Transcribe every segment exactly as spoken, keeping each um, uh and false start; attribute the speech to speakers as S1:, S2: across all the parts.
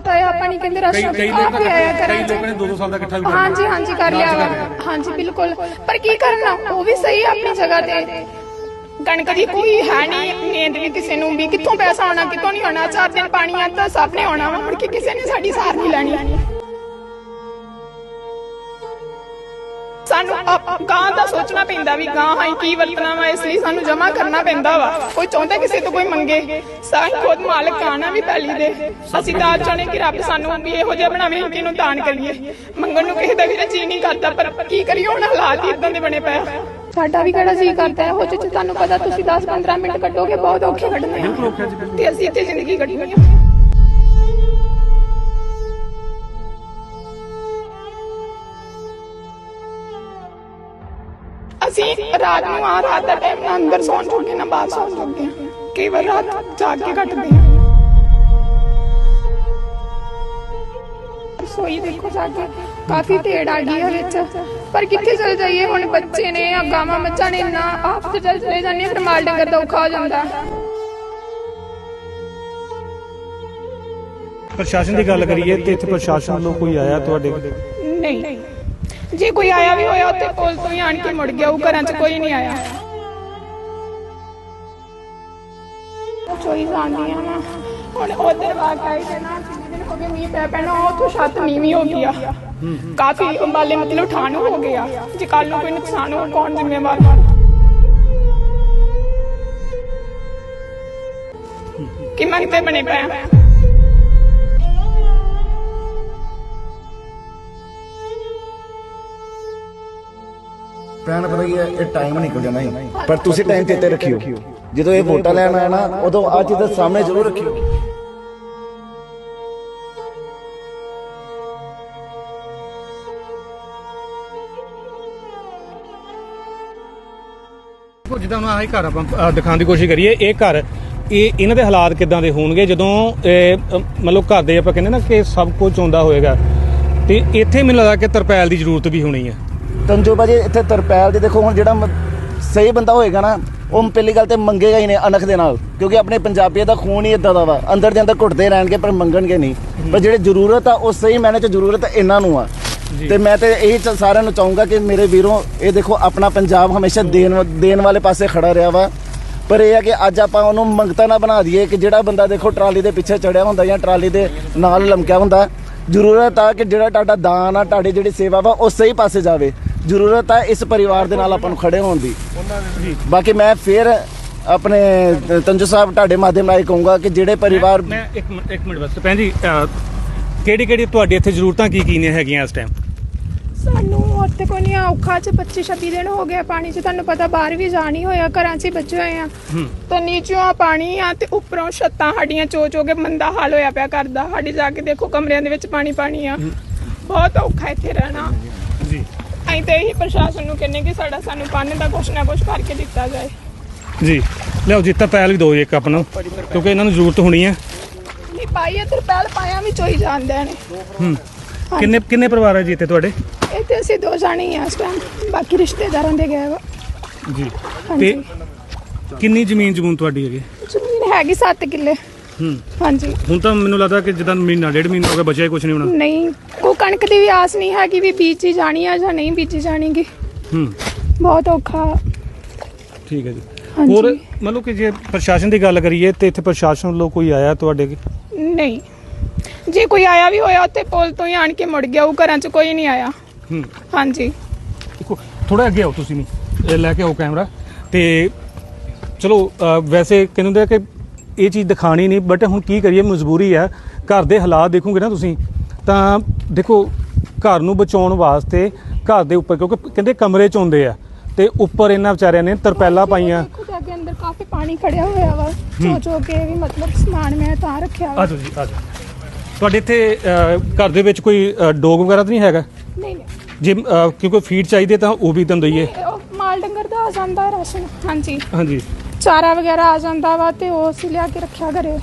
S1: पता है आप नहीं कहते राशन आप भी आया करा
S2: दो दो साल का इकट्ठा
S1: हाँ जी हाँ जी कर लिया वा हाँ जी बिल्कुल पर की करना वो भी सही है अपनी जगह ते कणक दी कोई है नहीं मेहनत भी किसी नूं भी कित्थों पैसा आना कित्थों नहीं आना चार दिन पानी आता सब ने आना वा मुड़ के किसी ने साडी सार नहीं लैनी सानू गां दा सोचना पैंदा भी गां हाई की वरतना वा इसलिए सानू जमा करना पैंदा वा कोई चाहता किसी तो कोई मंगे साई खुद मालिक आना भी पैली दे असीं तां चाहने कि रब सानू भी इहो जिहा बनावे कि इहनूं दान करिए मंगण नूं किसी दा भी जी नहीं करदा पर की करिए हुण हालात इदां दे बने पए साडा भी किहड़ा जी करदा है हो जे तुहानूं पता तुसीं दस पंद्रह मिनट कड्डोगे बहुत औखे कड्डने आ ते असीं इत्थे जिंदगी कड्डनी आ ਅਸੀਂ ਰਾਤ ਨੂੰ ਆ ਰਾਤ ਦਾ ਟਾਈਮ ਨਾ ਅੰਦਰ ਸੌਣ ਜੋਗੇ ਨਾ ਬਾਹਰ ਸੌਣ ਜੋਗੇ ਕਈ ਵਾਰ ਰਾਤ ਜਾਗ ਕੇ ਕੱਟਦੇ ਹਾਂ ਸੋਈ ਦੇਖੋ ਜਾ ਕੇ ਕਾਫੀ ਢੇੜ ਆ ਗਈ ਹੈ ਵਿੱਚ ਪਰ ਕਿੱਥੇ ਚਲ ਜਾਈਏ ਹੁਣ ਬੱਚੇ ਨੇ ਆ ਗਾਵਾਂ ਮੱਝਾਂ ਨੇ ਨਾ ਆਪ ਤੇ ਚਲ ਚਲੇ ਜਾਂਦੇ ਫਿਰ ਮਾਲ ਡੰਗਰ ਦਾ ਔਖਾ ਹੋ ਜਾਂਦਾ
S2: ਪ੍ਰਸ਼ਾਸਨ ਦੀ ਗੱਲ ਕਰੀਏ ਤੇ ਇੱਥੇ ਪ੍ਰਸ਼ਾਸਨ ਵੱਲੋਂ ਕੋਈ ਆਇਆ ਤੁਹਾਡੇ
S1: ਨਹੀਂ जे कोई आया भी होया उत्ते पुल तो ही आन के मुड़ गया वो घरां च कोई नहीं आया चोई जांदियां वा हुण उधर वाकई दे ना कितने दिन हो गए मींह पै पैना उत्थों छत नीवी हो गया काफी अंबाले मतलब ठाण हो गया जे कल नूं कोई नुकसान हो कौन जिम्मेवार कि मंगते बने पे
S3: ਭੈਣ ਪਤਾ ਕੀ ਹੈ ਇਹ ਟਾਈਮ ਨਿਕਲ ਜਾਣਾ ਹੀ ਪਰ ਤੁਸੀਂ ਟਾਈਮ ਤੇ ਤੇ ਰੱਖਿਓ ਜਦੋਂ ਇਹ ਵੋਟਾਂ ਲੈਣ ਆਇਆ ਨਾ ਉਦੋਂ ਆ ਚੀਜ਼ ਦੇ ਸਾਹਮਣੇ ਜ਼ਰੂਰ ਰੱਖਿਓ
S2: ਜਿੱਦਾਂ ਹੁਣ ਆਹੀ ਘਰ ਆਪਾਂ ਦਿਖਾਉਣ ਦੀ ਕੋਸ਼ਿਸ਼ ਕਰੀਏ ਇਹ ਘਰ ਇਹ ਇਹਨਾਂ ਦੇ ਹਾਲਾਤ ਕਿੱਦਾਂ ਦੇ ਹੋਣਗੇ ਜਦੋਂ ਮਤਲਬ ਘਰ ਦੇ ਆਪਾਂ ਕਹਿੰਦੇ ਨਾ ਕਿ ਸਭ ਕੁਝ ਆਉਂਦਾ ਹੋਏਗਾ ਤੇ ਇੱਥੇ ਮੈਨੂੰ ਲੱਗਦਾ ਕਿ ਤਰਪੈਲ ਦੀ ਜ਼ਰੂਰਤ ਵੀ ਹੋਣੀ ਹੈ
S3: ਤੰਜੋ ਭਾਜੀ ਇੱਥੇ ਤਰਪੈਲ ਦੇ ਦੇਖੋ ਹੁਣ ਜਿਹੜਾ ਸਹੀ ਬੰਦਾ ਹੋਏਗਾ ਨਾ ਉਹ ਪਹਿਲੀ ਗੱਲ ਤੇ ਮੰਗੇਗਾ ਹੀ ਨਹੀਂ ਅਣਖ ਦੇ ਨਾਲ ਕਿਉਂਕਿ ਆਪਣੇ ਪੰਜਾਬੀਆਂ ਦਾ ਖੂਨ ਹੀ ਇਦਾਂ ਦਾ ਵਾ ਅੰਦਰ ਦੇ ਅੰਦਰ ਘੁੱਟਦੇ ਰਹਿਣਗੇ ਪਰ ਮੰਗਣਗੇ ਨਹੀਂ ਪਰ ਜਿਹੜੇ ਜ਼ਰੂਰਤ ਆ ਉਹ ਸਹੀ ਮਾਇਨੇ 'ਚ ਜ਼ਰੂਰਤ ਇਹਨਾਂ ਨੂੰ ਆ ਤੇ ਮੈਂ ਤੇ ਇਹੀ ਸਾਰਿਆਂ ਨੂੰ ਚਾਹੂੰਗਾ ਕਿ ਮੇਰੇ ਵੀਰੋ ਇਹ ਦੇਖੋ ਆਪਣਾ ਪੰਜਾਬ ਹਮੇਸ਼ਾ ਦੇਣ ਦੇਣ ਵਾਲੇ ਪਾਸੇ ਖੜਾ ਰਿਹਾ ਵਾ ਪਰ ਇਹ ਆ ਕਿ ਅੱਜ ਆਪਾਂ ਉਹਨੂੰ ਮੰਗਤਾ ਨਾ ਬਣਾ ਦਈਏ ਕਿ ਜਿਹੜਾ ਬੰਦਾ ਦੇਖੋ ਟਰਾਲੀ ਦੇ ਪਿੱਛੇ ਚੜਿਆ ਹੁੰਦਾ ਜਾਂ ਟਰਾਲੀ ਦੇ ਨਾਲ ਲਮਕਿਆ ਹੁੰਦਾ ਜ਼ਰੂਰਤ ਆ ਕਿ ਜਿਹੜਾ ਤੁਹਾਡਾ ਦਾਨ ਆ ਤੁਹਾਡੀ ਜਿਹੜੀ ਸੇਵਾ ਵਾ ਉਹ ਸਹੀ ਪਾਸੇ ਜਾਵੇ ਜ਼ਰੂਰਤ ਆ ਇਸ ਪਰਿਵਾਰ ਦੇ ਨਾਲ ਆਪਾਂ ਨੂੰ ਖੜੇ ਹੋਣ ਦੀ ਬਾਕੀ ਮੈਂ ਫਿਰ ਆਪਣੇ ਤੰਜੂ ਸਾਹਿਬ ਤੁਹਾਡੇ ਮਾਧਿਅਮ ਰਾਹੀਂ ਕਹੂੰਗਾ ਕਿ ਜਿਹੜੇ ਪਰਿਵਾਰ
S2: ਮੈਂ ਇੱਕ ਇੱਕ ਮਿੰਟ ਬਸ ਭੈਣ ਜੀ ਕਿਹੜੀ ਕਿਹੜੀ ਤੁਹਾਡੇ ਇੱਥੇ ਜ਼ਰੂਰਤਾਂ ਕੀ ਕੀ ਨੇ ਹੈਗੀਆਂ ਇਸ ਟਾਈਮ
S1: ਸਾਨੂੰ ਉੱਥੇ ਕੋਈ ਨਹੀਂ ਔਖਾ ਚ ਪੱਚੀ ਛੱਬੀ ਦਿਨ ਹੋ ਗਏ ਪਾਣੀ ਚ ਤੁਹਾਨੂੰ ਪਤਾ ਬਾਹਰ ਵੀ ਜਾ ਨਹੀਂ ਹੋਇਆ ਘਰਾਂ 'ਚ ਹੀ ਬੱਚੇ ਹੋਏ ਆ ਤਾਂ ਨੀਚੋਂ ਪਾਣੀ ਆ ਤੇ ਉੱਪਰੋਂ ਛੱਤਾਂ ਸਾਡੀਆਂ ਚੋ ਚੋ ਕੇ ਮੰਦਾ ਹਾਲ ਹੋਇਆ ਪਿਆ ਕਰਦਾ ਸਾਡੀ ਜਾ ਕੇ ਦੇਖੋ ਕਮਰਿਆਂ ਦੇ ਵਿੱਚ ਪਾਣੀ ਪਾਣੀ ਆ ਬਹੁਤ ਔਖਾ ਇੱਥੇ ਰਹਿਣਾ ਜੀ ਅਸੀਂ ਤੇ ਇਹੀ ਪ੍ਰਸ਼ਾਸਨ ਨੂੰ ਕਹਿੰਦੇ ਕਿ ਸਾਡਾ ਸਾਨੂੰ ਪਾਣੀ ਦਾ ਕੁਛ ਨਾ ਕੁਛ ਕਰਕੇ ਦਿੱਤਾ ਜਾਏ ਜੀ
S2: ਲਿਆਓ ਜੀ ਤਰਪੈਲ ਵੀ ਦਿਓ ਇੱਕ ਆਪ ਨੂੰ ਕਿਉਂਕਿ ਇਹਨਾਂ ਨੂੰ ਜ਼ਰੂਰਤ ਹੋਣੀ ਹੈ
S1: ਨਹੀਂ ਪਾਈਏ ਤਰਪੈਲ ਪਾਇਆ ਵੀ ਚੋਈ ਜਾਂਦੇ ਨੇ
S2: ਹੂੰ ਕਿੰਨੇ ਕਿੰਨੇ ਪਰਿਵਾਰ ਹੈ ਜੀ ਇੱਥੇ ਤੁਹਾਡੇ
S1: ਇੱਥੇ ਅਸੀਂ ਦੋ ਜਾਣੇ ਹੀ ਆ ਇਸ ਟਾਈਮ ਬਾਕੀ ਰਿਸ਼ਤੇਦਾਰਾਂ ਦੇ ਗਏ ਵਾ
S2: ਜੀ ਤੇ ਕਿੰਨੀ ਜ਼ਮੀਨ ਜਮੂਨ ਤੁਹਾਡੀ ਹੈਗੀ
S1: ਜ਼ਮੀਨ ਹੈਗੀ ਸੱਤ ਕਿੱਲੇ
S2: ਹੂੰ
S1: ਹਾਂਜੀ
S2: ਹੁਣ ਤਾਂ ਮੈਨੂੰ ਲੱਗਦਾ ਕਿ ਜਿੱਦਾਂ ਮਹੀਨਾ ਡੇਢ ਮਹੀਨਾ ਹੋ ਗਿਆ ਬਚਿਆ ਕੁਝ ਨਹੀਂ ਹੋਣਾ
S1: ਨਹੀਂ ਕੋਈ ਕਣਕ ਦੀ ਵੀ ਆਸ ਨਹੀਂ ਹੈਗੀ ਵੀ ਬੀਜੀ ਜਾਣੀ ਆ ਜਾਂ ਨਹੀਂ ਬੀਜੀ ਜਾਣੀਗੀ
S2: ਹੂੰ
S1: ਬਹੁਤ ਔਖਾ
S2: ਠੀਕ ਹੈ ਜੀ ਹੋਰ ਮਤਲਬ ਕਿ ਜੇ ਪ੍ਰਸ਼ਾਸਨ ਦੀ ਗੱਲ ਕਰੀਏ ਤੇ ਇੱਥੇ ਪ੍ਰਸ਼ਾਸਨ ਵੱਲੋਂ ਕੋਈ ਆਇਆ ਤੁਹਾਡੇ
S1: ਨਹੀਂ ਜੇ ਕੋਈ ਆਇਆ ਵੀ ਹੋਇਆ ਉੱਥੇ ਪੁਲ ਤੋਂ ਹੀ ਆਣ ਕੇ ਮੁੜ ਗਿਆ ਉਹ ਘਰਾਂ 'ਚ ਕੋਈ ਨਹੀਂ ਆਇਆ
S2: ਹੂੰ
S1: ਹਾਂਜੀ
S2: ਥੋੜਾ ਅੱਗੇ ਆਓ ਤੁਸੀਂ ਨਹੀਂ ਲੈ ਕੇ ਆਓ ਕੈਮਰਾ ਤੇ ਚਲੋ ਵੈਸੇ ਕਹਿੰਦੇ ਕਿ ਇਹ ਚੀਜ਼ ਦਿਖਾਣੀ ਨਹੀਂ ਬਟ ਹੁਣ ਕੀ ਕਰੀਏ ਮਜਬੂਰੀ ਹੈ ਘਰ ਦੇ ਹਾਲਾਤ ਦੇਖੋਗੇ ਨਾ ਤੁਸੀਂ ਤਾਂ ਦੇਖੋ ਘਰ ਨੂੰ ਬਚਾਉਣ ਵਾਸਤੇ ਘਰ ਦੇ ਉੱਪਰ ਕਿਉਂਕਿ ਕਹਿੰਦੇ ਕਮਰੇ 'ਚ ਆਉਂਦੇ ਆ ਤੇ ਉੱਪਰ ਇਹਨਾਂ ਵਿਚਾਰਿਆਂ ਨੇ ਤਰਪੈਲਾ ਪਾਈਆਂ
S1: ਅੱਗੇ ਅੰਦਰ ਕਾਫੀ ਪਾਣੀ ਖੜਿਆ ਹੋਇਆ ਵਾ ਚੋ ਚੋ ਕੇ ਵੀ ਮਤਲਬ ਸਮਾਨ ਮੈਂ ਤਾਂ ਰੱਖਿਆ ਵਾ
S2: ਆਜੋ ਜੀ ਆਜੋ ਤੁਹਾਡੇ ਇੱਥੇ ਘਰ ਦੇ ਵਿੱਚ ਕੋਈ ਡੋਗ ਵਗੈਰਾ ਤਾਂ ਨਹੀਂ ਹੈਗਾ
S1: ਨਹੀਂ ਨਹੀਂ
S2: ਜੇ ਕਿਉਂਕਿ ਫੀਡ ਚਾਹੀਦੇ ਤਾਂ ਉਹ ਵੀ ਤੁਹਾਨੂੰ ਦਈਏ
S1: ਮਾਲ ਡੰਗਰ ਦਾ ਆ ਜਾਂਦਾ ਰਾਸ਼ਨ ਹਾਂਜੀ
S2: ਹਾਂਜੀ
S1: ਚਾਰਾ ਵਗੈਰਾ ਆ ਜਾਂਦਾ ਵਾ ਤੇ ਉਹ ਅਸੀਂ ਲਿਆ ਕੇ ਰੱਖਿਆ ਘਰੇ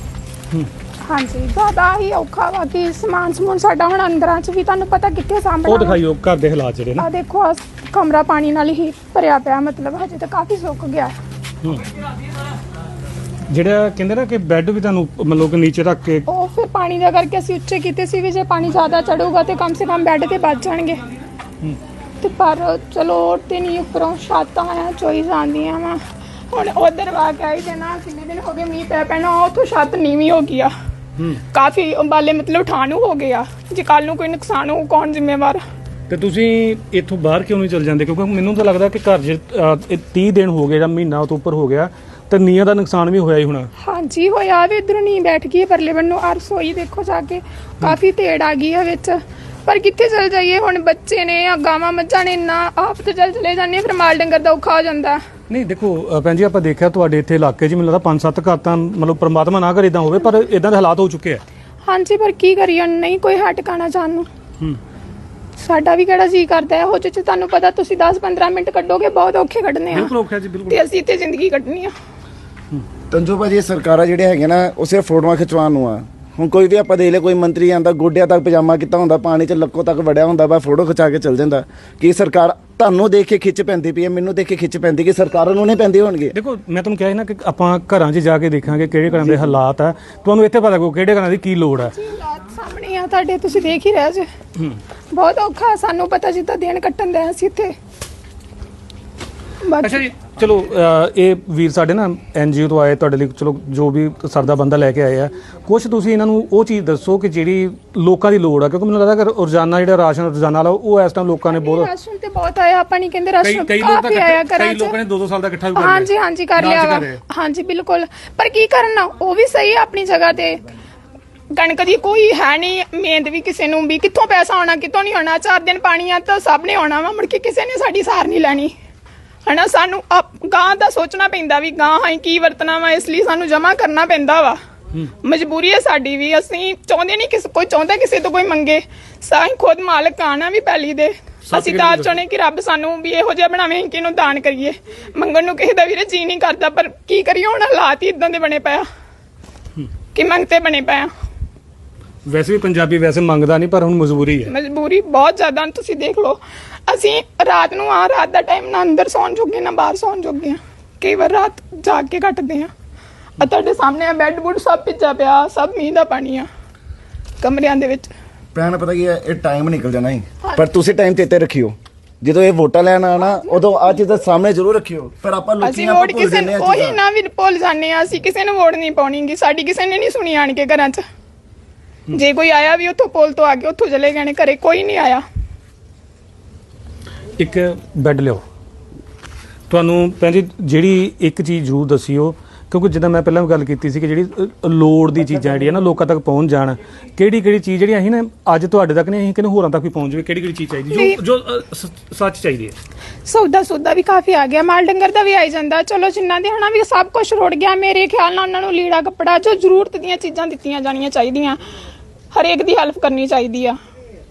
S1: ਹਾਂਜੀ ਜ਼ਿਆਦਾ ਹੀ ਔਖਾ ਵਾ ਕਿ ਸਮਾਨ ਸਮੂਨ ਸਾਡਾ ਹੁਣ ਅੰਦਰਾਂ 'ਚ ਵੀ ਤੁਹਾਨੂੰ ਪਤਾ ਕਿੱਥੇ ਸਾਂਭਣਾ
S2: ਉਹ ਦਿਖਾਈਓ ਘਰ ਦੇ ਹਾਲਾਤ ਜਿਹੜੇ ਨਾ
S1: ਆ ਦੇਖੋ ਕਮਰਾ ਪਾਣੀ ਨਾਲ ਹੀ ਭਰਿਆ ਪਿਆ ਮਤਲਬ ਹਜੇ ਤਾਂ ਕਾਫੀ ਸੁੱਕ ਗਿਆ
S2: ਜਿਹੜਾ ਕਹਿੰਦੇ ਨਾ ਕਿ ਬੈੱਡ ਵੀ ਤੁਹਾਨੂੰ ਮਤਲਬ ਕਿ ਨੀਚੇ ਰੱਖ ਕੇ
S1: ਉਹ ਫਿਰ ਪਾਣੀ ਦਾ ਕਰਕੇ ਅਸੀਂ ਉੱਚੇ ਕੀਤੇ ਸੀ ਵੀ ਜੇ ਪਾਣੀ ਜ਼ਿਆਦਾ ਚੜੂਗਾ ਤੇ ਕਮ ਸੇ ਕਮ ਬੈੱਡ ਤੇ ਬਚ ਜਾਣਗੇ। ਤੇ ਪਰ ਚਲੋ ਤੇ ਨਹੀਂ, ਉੱਪਰੋਂ ਛਾਤਾਂ ਆ ਚੋਈ ਜਾਂਦੀਆਂ ਵਾ। ਹੁਣ ਉਧਰ ਵਾ ਕੇ ਆਈ ਦੇ ਨਾ ਕਿੰਨੇ ਦਿਨ ਹੋ ਗਏ ਮੀਂਹ ਪੈ ਪੈਣਾ, ਉੱਥੋਂ ਛੱਤ ਨੀਵੀਂ ਹੋ ਗਈ ਆ ਕਾਫੀ, ਅੰਬਾਲੇ ਮਤਲਬ ਉਠਾਣੂ ਹੋ ਗਿਆ। ਜੇ ਕੱਲ ਨੂੰ ਕੋਈ ਨੁਕਸਾਨ ਹੋ ਕੌਣ ਜ਼ਿੰਮੇਵਾਰ?
S2: ਤੇ ਤੁਸੀਂ ਇੱਥੋਂ ਬਾਹਰ ਕਿਉਂ ਨਹੀਂ ਚਲ ਜਾਂਦੇ? ਕਿਉਂਕਿ ਮੈਨੂੰ ਤਾਂ ਲੱਗਦਾ ਕਿ ਘਰ 'ਚ ਅਹ, ਤੀਹ ਦਿਨ ਹੋ ਗਏ ਜਾਂ ਮਹੀਨਾ ਤੋਂ ਉੱਪਰ ਹੋ ਗਿਆ ਤੇ ਨੀਆਂ ਦਾ ਨੁਕਸਾਨ ਵੀ ਹੋਇਆ ਹੀ ਹੋਣਾ।
S1: ਹਾਂਜੀ ਹੋਇਆ ਵੀ, ਇਧਰੋਂ ਨੀ ਬੈਠ ਗਈ ਪਰਲੇ ਬੰਨੋਂ, ਆ ਰਸੋਈ ਦੇਖੋ ਜਾ ਕੇ ਕਾਫੀ ਤੇੜ ਆ ਗਈ ਆ ਵਿੱਚ। ਪਰ ਕਿੱਥੇ ਚਲ ਜਾਈਏ ਹੁਣ, ਬੱਚੇ ਨੇ ਆ ਗਾਵਾਂ ਮੱਝਾਂ ਨੇ, ਨਾ ਆਪ ਤੇ ਚੱਲ ਚਲੇ ਜਾਂਦੇ ਫਿਰ ਮਾਲ ਡੰਗਰ ਦਾ ਔਖਾ ਹੋ ਜਾਂਦਾ।
S2: ਨਹੀਂ ਦੇਖੋ ਅਹ, ਭੈਣ ਜੀ ਆਪਾਂ ਦੇਖਿਆ ਤੁਹਾਡੇ ਇੱਥੇ ਇਲਾਕੇ 'ਚ ਮੈਨੂੰ ਲੱਗਦਾ ਪੰਜ ਸੱਤ ਘਰ ਤਾਂ ਮਤਲਬ ਪ੍ਰਮਾਤਮਾ ਨਾ ਕਰੇ ਇਦਾਂ ਹੋਵੇ, ਪਰ ਇਦਾਂ ਦੇ ਹਾਲਾਤ ਹੋ ਚੁੱਕੇ ਆ। ਹਾਂਜੀ
S1: ਪਰ ਕੀ ਕਰੀਏ, ਨਹੀਂ ਕੋਈ ਹਟ ਟਿਕਾਣਾ ਜਾਣ ਨੂੰ।
S2: ਹੂੰ
S1: ਸਾਡਾ ਵੀ ਕਿਹੜਾ ਜੀ ਕਰਦਾ ਹੈ, ਹੋ ਚ ਤੁਹਾਨੂੰ ਪਤਾ ਤੁਸੀਂ ਦਸ ਪੰਦਰਾਂ ਮਿੰਟ ਕੱਢੋਗੇ, ਬਹੁਤ ਔਖੇ ਕੱਢਨੇ ਆ।
S2: ਬਿਲਕੁਲ ਔਖਾ ਜੀ, ਬਿਲਕੁਲ।
S1: ਤੇ ਅਸੀਂ ਇੱਥੇ ਜ਼ਿੰਦਗੀ ਕੱਢਣੀ ਆ।
S3: ਤੰਜੂ ਭਾਜੀ, ਇਹ ਸਰਕਾਰਾਂ ਜਿਹੜੇ ਹੈਗੇ ਨਾ ਉਹ ਸਿਰਫ ਫੋਟੋਆਂ ਖਿਚਵਾਉਣ ਨੂੰ ਆ। ਹੁਣ ਕੋਈ ਵੀ ਆਪਾਂ ਦੇਖ ਲੈ, ਕੋਈ ਮੰਤਰੀ ਆਂਦਾ ਗੋਡਿਆਂ ਤੱਕ ਪਜਾਮਾ ਕੀਤਾ ਹੁੰਦਾ, ਪਾਣੀ 'ਚ ਲੱਕੋ ਤੱਕ ਵੜਿਆ ਹੁੰਦਾ ਵਾ, ਫੋਟੋ ਖਿਚਾ ਕੇ ਚੱਲ ਜਾਂਦਾ। ਕੀ ਸਰਕਾਰ ਤੁਹਾਨੂੰ ਦੇਖ ਕੇ ਖਿੱਚ ਪੈਂਦੀ ਪਈ ਹੈ, ਮੈਨੂੰ ਦੇਖ ਕੇ ਖਿੱਚ ਪੈਂਦੀ, ਕਿ ਸਰਕਾਰਾਂ ਨੂੰ ਨਹੀਂ ਪੈਂਦੀ ਹੋਣਗੇ?
S2: ਦੇਖੋ ਮੈਂ ਤੁਹਾਨੂੰ ਕਿਹਾ ਸੀ ਨਾ ਕਿ ਆਪਾਂ ਘਰਾਂ 'ਚ ਜਾ ਕੇ ਦੇਖਾਂਗੇ ਕਿਹੜੇ ਘਰਾਂ ਦੇ ਹਾਲਾਤ ਆ, ਤੁਹਾਨੂੰ ਇੱਥੇ ਪਤਾ ਲੱਗੂ ਕਿਹੜੇ ਘਰਾਂ ਦੀ ਕੀ ਲੋੜ ਆ।
S1: ਹਾਲਾਤ ਸਾਹਮਣੇ ਆ ਤੁਹਾਡੇ, ਤੁਸੀਂ ਦੇਖ ਹੀ ਰਹੇ ਜੇ। ਬਹੁਤ ਔਖਾ, ਸਾਨੂੰ ਪਤਾ ਜਿੱਦਾਂ ਦਿਨ ਕੱਟਣ ਦੇ ਅਸੀਂ ਇੱਥੇ।
S2: ਅੱਛਾ ਜੀ, ਚਲੋ ਅਹ, ਇਹ ਵੀਰ ਸਾਡੇ ਨਾ ਐਨ ਜੀ ਓ ਤੋਂ ਆਏ ਤੁਹਾਡੇ ਲਈ, ਚਲੋ ਜੋ ਵੀ ਸਰਦਾ ਬੰਦਾ ਲੈ ਕੇ ਆਏ ਆ, ਕੁਛ ਤੁਸੀਂ ਇਹਨਾਂ ਨੂੰ ਉਹ ਚੀਜ਼ ਦੱਸੋ ਕਿ ਜਿਹੜੀ ਲੋਕਾਂ ਦੀ ਲੋੜ ਆ, ਕਿਉਂਕਿ ਮੈਨੂੰ ਲੱਗਦਾ ਕਿ ਰੋਜ਼ਾਨਾ ਜਿਹੜਾ ਰਾਸ਼ਨ ਰੋਜ਼ਾਨਾ ਵਾਲਾ ਉਹ ਇਸ ਟਾਈਮ ਲੋਕਾਂ ਨੇ ਬਹੁਤ
S1: ਰਾਸ਼ਨ ਤੇ ਬਹੁਤ ਆਇਆ, ਆਪਾਂ ਨਹੀਂ ਕਹਿੰਦੇ ਰਾਸ਼ਨ
S2: ਕਈ ਲੋਕ ਤਾਂ
S1: ਕਾਫੀ ਆਇਆ ਘਰਾਂ
S2: ਕਈ
S1: ਚ।
S2: ਲੋਕਾਂ ਨੇ ਦੋ ਦੋ ਸਾਲ ਦਾ ਇਕੱਠਾ ਵੀ ਕਰ ਲਿਆ।
S1: ਹਾਂਜੀ ਹਾਂਜੀ ਕਰ ਲਿਆ ਵਾ, ਹਾਂਜੀ ਬਿਲਕੁਲ। ਪਰ ਕੀ ਕਰਨਾ, ਉਹ ਵੀ ਸਹੀ ਆ ਆਪਣੀ ਜਗ੍ਹਾ ਤੇ। ਕਣਕ ਦੀ ਕੋਈ ਹੈ ਨਹੀਂ ਮਿਹਨਤ ਵੀ, ਕਿਸੇ ਨੂੰ ਵੀ ਕਿੱਥੋਂ ਪੈਸਾ ਆਉਣਾ ਕਿੱਥੋਂ ਨਹੀਂ ਆਉਣਾ। ਚਾਰ ਦਿਨ ਪਾਣੀ ਆ ਤਾਂ ਸਭ ਨੇ ਆਉਣਾ ਵਾ, ਮੁੜ ਕੇ ਕਿਸੇ ਨੇ ਸਾਡੀ ਸਾਰ ਨਹੀਂ ਲੈਣੀ ਹਨਾ। ਸਾਨੂੰ ਗਾਂ ਦਾ ਸੋਚਣਾ ਪੈਂਦਾ ਵੀ ਗਾਂ ਹਾਂ ਕੀ ਵਰਤਣਾ ਵਾ, ਇਸ ਲਈ ਸਾਨੂੰ ਜਮਾ ਕਰਨਾ ਪੈਂਦਾ ਵਾ। ਮਜਬੂਰੀ ਹੈ ਸਾਡੀ ਵੀ, ਅਸੀਂ ਚਾਹੁੰਦੇ ਨਹੀਂ ਕਿਸੇ ਕੋਈ ਚਾਹੁੰਦਾ ਕਿਸੇ ਤੋਂ ਕੋਈ ਮੰਗੇ, ਸਾਈਂ ਖੁਦ ਮਾਲਕ ਆਣਾ ਵੀ ਪੈਲੀ ਦੇ। ਅਸੀਂ ਤਾਂ ਆਪ ਚਾਹੁੰਦੇ ਕਿ ਰੱਬ ਸਾਨੂੰ ਵੀ ਇਹੋ ਜਿਹਾ ਬਣਾਵੇ ਕਿ ਇਹਨੂੰ ਦਾਨ ਕਰੀਏ। ਮੰਗਣ ਨੂੰ ਕਿਸੇ ਦਾ ਵੀਰੇ ਜੀ ਨਹੀਂ ਕਰਦਾ, ਪਰ ਕੀ ਕਰੀਏ ਹੁਣ, ਹਾਲਾਤ ਹੀ ਇਦਾਂ ਦੇ ਬਣੇ ਪਿਆ ਕਿ ਮੰਗਤੇ ਬਣੇ ਪਿਆ।
S2: ਵੈਸੇ ਵੀ ਪੰਜਾਬੀ ਵੈਸੇ ਮੰਗਦਾ ਨਹੀਂ, ਪਰ ਹੁਣ ਮਜਬੂਰੀ ਹੈ।
S1: ਮਜਬੂਰੀ ਬਹੁਤ ਜ਼ਿਆਦਾ, ਤੁਸੀਂ ਦੇਖ ਲਓ। ਅਸੀਂ ਰਾਤ ਨੂੰ ਆ ਰਾਤ ਦਾ ਟਾਈਮ ਨਾ ਅੰਦਰ ਸੌਣ ਜੋਗੇ ਨਾ ਬਾਹਰ ਸੌਣ ਜੋਗੇ ਆ, ਕਈ ਵਾਰ ਰਾਤ ਜਾਗ ਕੇ ਕੱਟਦੇ ਆ। ਆ ਤੁਹਾਡੇ ਸਾਹਮਣੇ ਆ ਬੈੱਡ ਬੁੱਡ ਸਭ ਭਿੱਜਾ ਪਿਆ, ਸਭ ਮੀਂਹ ਦਾ ਪਾਣੀ ਆ ਕਮਰਿਆਂ ਦੇ ਵਿੱਚ।
S3: ਭੈਣ ਪਤਾ ਕੀ ਹੈ, ਇਹ ਟਾਈਮ ਨਿਕਲ ਜਾਣਾ ਹੀ, ਪਰ ਤੁਸੀਂ ਟਾਈਮ ਚੇਤੇ ਰੱਖਿਓ। ਜਦੋਂ ਇਹ ਵੋਟਾਂ ਲੈਣ ਆਣਾ ਉਦੋਂ ਆ ਚੀਜ਼ਾਂ ਸਾਹਮਣੇ ਜ਼ਰੂਰ ਰੱਖਿਓ। ਪਰ ਆਪਾਂ ਲੋਕੀ
S1: ਅਸੀਂ
S3: ਆਪਾਂ
S1: ਵੋਟ
S3: ਭੁੱਲ
S1: ਕਿਸੇ
S3: ਜਾਂਦੇ ਆ
S1: ਉਹੀ
S3: ਚੀਜ਼ਾਂ।
S1: ਨਾ ਵੀ ਭੁੱਲ ਜਾਂਦੇ ਆ, ਅਸੀਂ ਕਿਸੇ ਨੂੰ ਵੋਟ ਨਹੀਂ ਪਾਉਣੀਗੀ, ਸਾਡੀ ਕਿਸੇ ਨੇ ਨਹੀਂ ਸੁਣੀ ਆਣ ਕੇ ਘਰਾਂ 'ਚ। ਜੇ ਕੋਈ ਆਇਆ ਵੀ ਉੱਥੋਂ ਪੁਲ ਤੋਂ ਆ ਕੇ ਉੱਥੋਂ ਚਲੇ ਗਏ ਨੇ, ਘਰੇ ਕੋਈ ਨਹੀਂ ਆਇਆ।
S2: ਇੱਕ ਬੈੱਡ ਲਿਓ। ਤੁਹਾਨੂੰ ਭੈਣ ਜੀ ਜਿਹੜੀ ਇੱਕ ਚੀਜ਼ ਜ਼ਰੂਰ ਦੱਸਿਓ, ਕਿਉਂਕਿ ਜਿੱਦਾਂ ਮੈਂ ਪਹਿਲਾਂ ਵੀ ਗੱਲ ਕੀਤੀ ਸੀ ਕਿ ਜਿਹੜੀ ਅ, ਲੋੜ ਦੀ ਚੀਜ਼ਾਂ ਜਿਹੜੀਆਂ ਨਾ ਲੋਕਾਂ ਤੱਕ ਪਹੁੰਚ ਜਾਣ, ਕਿਹੜੀ ਕਿਹੜੀ ਚੀਜ਼ ਜਿਹੜੀ ਅਸੀਂ ਨਾ ਅੱਜ ਤੁਹਾਡੇ ਤੱਕ ਨਹੀਂ, ਅਸੀਂ ਕਿਹਨੂੰ ਹੋਰਾਂ ਤੱਕ ਵੀ ਪਹੁੰਚ ਜਾਵੇ, ਕਿਹੜੀ ਕਿਹੜੀ ਚੀਜ਼ ਚਾਹੀਦੀ ਜੋ ਜੋ ਅ, ਸ- ਸੱਚ ਚਾਹੀਦੀ ਹੈ।
S1: ਸੌਦਾ ਸੌਦਾ ਵੀ ਕਾਫੀ ਆ ਗਿਆ, ਮਾਲ ਡੰਗਰ ਦਾ ਵੀ ਆਈ ਜਾਂਦਾ। ਚਲੋ ਜਿੰਨਾ ਦੇ ਹਨਾ ਵੀ ਸਭ ਕੁਝ ਰੁੜ ਗਿਆ, ਮੇਰੇ ਖਿਆਲ ਨਾਲ ਉਹਨਾਂ ਨੂੰ ਲੀੜਾ ਕੱਪੜਾ ਜੋ ਜ਼ਰੂਰਤ ਦੀਆਂ ਚੀਜ਼ਾਂ ਦਿੱਤੀਆਂ ਜਾਣੀਆਂ ਚਾਹੀਦੀਆਂ, ਹਰੇਕ ਦੀ ਹੈਲਪ ਕਰਨੀ ਚਾਹੀਦੀ ਆ।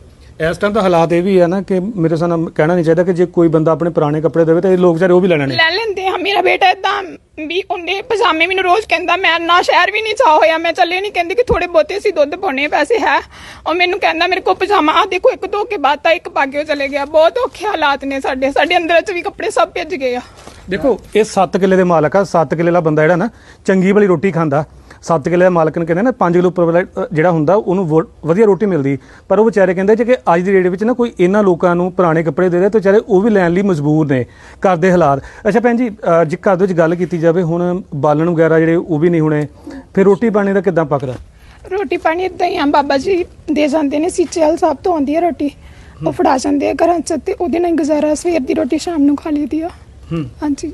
S2: ਇਸ ਟਾਈਮ ਦਾ ਹਾਲਾਤ ਇਹ ਵੀ ਹੈ ਨਾ ਕਿ ਮੇਰੇ ਹਿਸਾਬ ਨਾਲ ਕਹਿਣਾ ਨਹੀਂ ਚਾਹੀਦਾ ਕਿ ਜੇ ਕੋਈ ਬੰਦਾ ਆਪਣੇ ਪੁਰਾਣੇ ਕੱਪੜੇ ਦੇਵੇ ਤਾਂ ਇਹ ਲੋਕ ਵਿਚਾਰੇ ਉਹ ਵੀ ਲੈ ਲੈਣੇ।
S1: ਲੈ ਲੈਂਦੇ ਆ। ਮੇਰਾ ਬੇਟਾ ਏਦਾਂ ਵੀ ਉਹਨੇ ਪਜਾਮੇ ਮੈਨੂੰ ਰੋਜ਼ ਕਹਿੰਦਾ, ਮੈਂ ਨਾ ਸ਼ਹਿਰ ਵੀ ਨਹੀਂ ਚਾਹ ਹੋਇਆ, ਮੈਂ ਚੱਲੇ ਨਹੀਂ, ਕਹਿੰਦੀ ਕਿ ਥੋੜੇ ਬਹੁਤੇ ਸੀ ਦੁੱਧ ਪਾਉਣੇ ਪੈਸੇ ਹੈ, ਉਹ ਮੈਨੂੰ ਕਹਿੰਦਾ ਮੇਰੇ ਕੋਲ ਪਜਾਮਾ ਆ ਦੇਖੋ, ਇੱਕ ਧੋ ਕੇ ਬਾਤਾ ਇੱਕ ਪਾ ਕੇ ਉਹ ਚਲੇ ਗਿਆ। ਬਹੁਤ ਔਖੇ ਹਾਲਾਤ ਨੇ ਸਾਡੇ, ਸਾਡੇ ਅੰਦਰ ਚ ਵੀ ਕੱਪੜੇ ਸਭ ਭਿੱਜ ਗਏ ਆ।
S2: ਦੇਖੋ ਇਹ ਸੱਤ ਕਿੱਲੇ ਦੇ ਮਾਲਕ ਆ, ਸੱਤ ਕਿੱਲੇ ਦਾ ਬੰਦਾ ਜਿਹੜਾ ਨਾ ਚੰਗੀ ਵਾਲੀ ਰੋਟੀ ਖਾਂਦਾ, ਸੱਤ ਕਿੱਲੇ ਦਾ ਮਾਲਕ ਨੂੰ ਕਹਿੰਦੇ ਨਾ ਪੰਜ ਕਿਲੋ ਉੱਪਰ ਵਾਲਾ ਅ, ਜਿਹੜਾ ਹੁੰਦਾ ਉਹਨੂੰ ਵੋ- ਵਧੀਆ ਰੋਟੀ ਮਿਲਦੀ, ਪਰ ਉਹ ਵਿਚਾਰੇ ਕਹਿੰਦੇ ਜੇ ਕਿ ਅੱਜ ਦੀ ਡੇਟ ਵਿੱਚ ਨਾ ਕੋਈ ਇਹਨਾਂ ਲੋਕਾਂ ਨੂੰ ਪੁਰਾਣੇ ਕੱਪੜੇ ਦੇ ਰਿਹਾ ਤੇ ਵਿਚਾਰੇ ਉਹ ਵੀ ਲੈਣ ਲਈ ਮਜਬੂਰ ਨੇ, ਘਰ ਦੇ ਹਾਲਾਤ। ਅੱਛਾ ਭੈਣ ਜੀ, ਅ, ਜੇ ਘਰ ਦੇ ਵਿੱਚ ਗੱਲ ਕੀਤੀ ਜਾਵੇ ਹੁਣ ਬਾਲਣ ਵਗੈਰਾ ਜਿਹੜੇ ਉਹ ਵੀ ਨਹੀਂ ਹੋਣੇ, ਫਿਰ ਰੋਟੀ ਪਾਣੀ ਦਾ ਕਿੱਦਾਂ ਪੱਕਦਾ?
S1: ਰੋਟੀ ਪਾਣੀ ਇਦਾਂ ਹੀ ਆ, ਬਾਬਾ ਜੀ ਦੇ ਜਾਂਦੇ ਨੇ, ਸੀਚੇ ਵਾਲ ਸਾਹਿਬ ਤੋਂ ਆਉਂਦੀ ਆ ਰੋਟੀ, ਉਹ ਫੜਾ ਜਾਂਦੇ ਆ ਘਰਾਂ 'ਚ ਤੇ ਉਹਦੇ ਨਾਲ ਗੁਜ਼ਾਰਾ, ਸਵੇਰ ਦੀ ਰੋਟੀ ਸ਼ਾਮ ਨੂੰ ਖਾ ਲਈਦੀ ਆ। ਹਾਂਜੀ।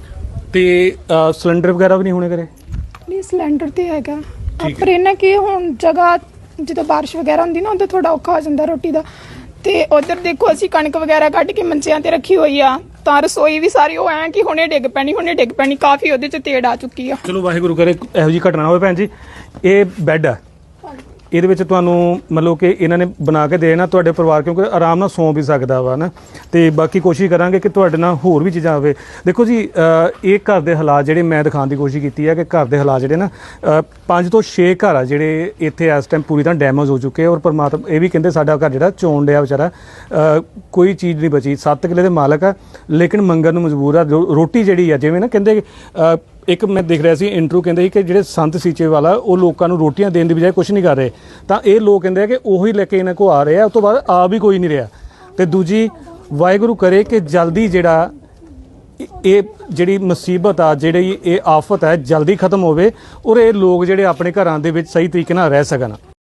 S2: ਤੇ ਅ, ਸਿਲੰਡਰ ਵਗੈਰਾ ਵੀ ਨਹੀਂ ਹੋਣੇ ਘਰੇ?
S1: ਨਹੀਂ ਸਿਲੰਡਰ ਤੇ ਹੈਗਾ, ਪਰ ਇਹਨਾਂ ਕੀ ਹੁਣ ਜਗ੍ਹਾ ਜਦੋਂ ਬਾਰਿਸ਼ ਵਗੈਰਾ ਹੁੰਦੀ ਨਾ ਉਦੋਂ ਥੋੜਾ ਔਖਾ ਹੋ ਜਾਂਦਾ ਰੋਟੀ ਦਾ। ਤੇ ਉਧਰ ਦੇਖੋ ਅਸੀਂ ਕਣਕ ਵਗੈਰਾ ਕੱਢ ਕੇ ਮੰਚਿਆਂ ਤੇ ਰੱਖੀ ਹੋਈ ਆ, ਤਾਂ ਰਸੋਈ ਵੀ ਸਾਰੀ ਉਹ ਐ ਕਿ ਹੁਣੇ ਡਿੱਗ ਪੈਣੀ ਹੁਣੇ ਡਿੱਗ ਪੈਣੀ, ਕਾਫੀ ਉਹਦੇ 'ਚ ਤੇੜ ਆ ਚੁੱਕੀ ਆ।
S2: ਚਲੋ ਵਾਹਿਗੁਰੂ ਕਰੇ ਇਹੋ ਜਿਹੀ ਘਟਨਾ ਹੋਵੇ। ਭੈਣ ਜੀ ਇਹ ਬੈੱਡ ਆ, ਇਹਦੇ ਵਿੱਚ ਤੁਹਾਨੂੰ ਮਤਲਬ ਕਿ ਇਹਨਾਂ ਨੇ ਬਣਾ ਕੇ ਦੇਣਾ ਤੁਹਾਡੇ ਪਰਿਵਾਰ, ਕਿਉਂਕਿ ਆਰਾਮ ਨਾਲ ਸੌਂ ਵੀ ਸਕਦਾ ਵਾ ਨਾ। ਤੇ ਬਾਕੀ ਕੋਸ਼ਿਸ਼ ਕਰਾਂਗੇ ਕਿ ਤੁਹਾਡੇ ਨਾਲ ਹੋਰ ਵੀ ਚੀਜ਼ਾਂ ਆਵੇ। ਦੇਖੋ ਜੀ ਅ, ਇਹ ਘਰ ਦੇ ਹਾਲਾਤ ਜਿਹੜੇ ਮੈਂ ਦਿਖਾਉਣ ਦੀ ਕੋਸ਼ਿਸ਼ ਕੀਤੀ ਹੈ ਕਿ ਘਰ ਦੇ ਹਾਲਾਤ ਜਿਹੜੇ ਨਾ ਅ, ਪੰਜ ਤੋਂ ਛੇ ਘਰ ਆ ਜਿਹੜੇ ਇੱਥੇ ਇਸ ਟਾਈਮ ਪੂਰੀ ਤਰ੍ਹਾਂ ਡੈਮੇਜ ਹੋ ਚੁੱਕੇ, ਔਰ ਪਰਮਾਤਮਾ ਇਹ ਵੀ ਕਹਿੰਦੇ ਸਾਡਾ ਘਰ ਜਿਹੜਾ ਚੋਣ ਡਿਆ ਵਿਚਾਰਾ, ਅ, ਕੋਈ ਚੀਜ਼ ਨਹੀਂ ਬਚੀ। ਸੱਤ ਕਿੱਲੇ ਦੇ ਮਾਲਕ ਆ ਲੇਕਿਨ ਮੰਗਣ ਨੂੰ ਮਜਬੂਰ ਆ। ਰੋ- ਰੋਟੀ ਜਿਹੜੀ ਆ ਜਿਵੇਂ ਨਾ ਕਹਿੰਦੇ ਅ, ਇੱਕ ਮੈਂ ਦੇਖ ਰਿਹਾ ਸੀ ਇੰਟਰਵਿਊ, ਕਹਿੰਦੇ ਸੀ ਕਿ ਜਿਹੜੇ ਸੰਤ ਸੀਚੇਵਾਲ ਆ ਉਹ ਲੋਕਾਂ ਨੂੰ ਰੋਟੀਆਂ ਦੇਣ ਦੀ ਬਜਾਏ ਕੁਝ ਨਹੀਂ ਕਰ ਰਹੇ, ਤਾਂ ਇਹ ਲੋਕ ਕਹਿੰਦੇ ਆ ਕਿ ਉਹੀ ਲੈ ਕੇ ਇਹਨਾਂ ਕੋ ਆ ਰਹੇ ਆ, ਉਸ ਤੋਂ ਬਾਅਦ ਆ ਵੀ ਕੋਈ ਨਹੀਂ ਰਿਹਾ। ਤੇ ਦੂਜੀ, ਵਾਹਿਗੁਰੂ ਕਰੇ ਕਿ ਜਲਦੀ ਜਿਹੜਾ ਇਹ ਜਿਹੜੀ ਮੁਸੀਬਤ ਆ, ਜਿਹੜੀ ਇਹ ਆਫਤ ਹੈ, ਜਲਦੀ ਖਤਮ ਹੋਵੇ ਔਰ ਇਹ ਲੋਕ ਜਿਹੜੇ ਆਪਣੇ ਘਰਾਂ ਦੇ ਵਿੱਚ ਸਹੀ ਤਰੀਕੇ ਨਾਲ ਰਹਿ ਸਕਣ।